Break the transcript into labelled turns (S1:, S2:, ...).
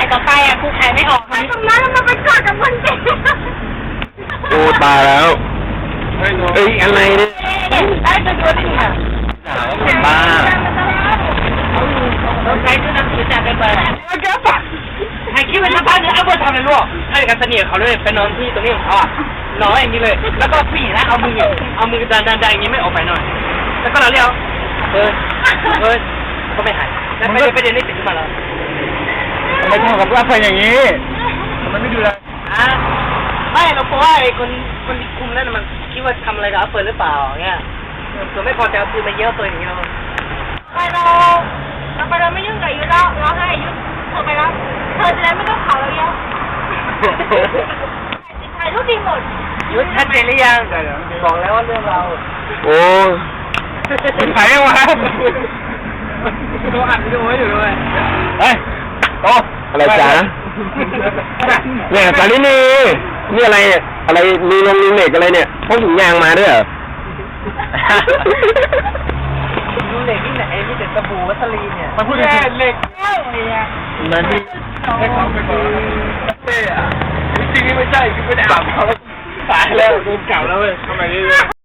S1: ต่อไปอ่ะกูขายไม่ออกตรงนั้นมันไปกอดกับคนเก่ง
S2: โอ้ตายแล้วเอ้ยอะไรเนี่ย
S1: ได้จะดูได้ไง
S2: บ้า
S1: เราใช้ชื่อนักศึกษาไปเปิดให้คิดเป็นสภาพเนื้อเอาไปทำอะไรลูกให้กันเสนียเขาเลยไปนอนที่ตรงนี้ของเขาอ่ะนอนอย่างนี้เลยแล้วก็ปีนะเอามือดันอย่างนี้ไม่ออกไปหน่อยแล้วก็เราเรียกก็ไม่หายแล้วไปเรียนได้ติดขึ้นมาแล้ว
S2: ทำไมทำกับรักไปอย่างนี้ทำไมไม่ดูแล
S1: ไม่เราเพราะว่าไอ้คนที่คุมนั่นมันคิดว่าทำอะไรกับเปิดหรือเปล่าเงี้ยเผื่อไม่พอใจเอาปืนมาเยอะเปิดอย่างนี้เราไม่ยุ่งกับยุทธแล้วเราให้ยุทธเธอไปแล้วเธอจะได้ไม่ต้องเผาเราเยอะถ่ายรูปดีหมดยุทธชัดเจนหรือยังบอกแล้วว่าเรื่องเรา
S2: โอ้ขายยังวะ
S1: ตัวอัดวิดีโอให้ดูด้วย
S2: เฮ้ยโตอะไรจ๊ะเนี่ยสาลินีนี่อะไรเนี่ยอะไรมีลงมีเหล็กอะไรเนี่ยพกถุงยางมาด้วยเหรอ
S1: ดูเหล็กที่ไหนที่เด็ดสบู่วัสลีเนี่ย
S2: มันพูดแค่เหล็ก นั่นนี่
S1: ให้เขาไปก่อนเต้อะ
S2: จริงๆไม่ใช่คือไม่ได้อาบเขาตายแล้วโดนเก่าแล้วเว้ยทำไมนี่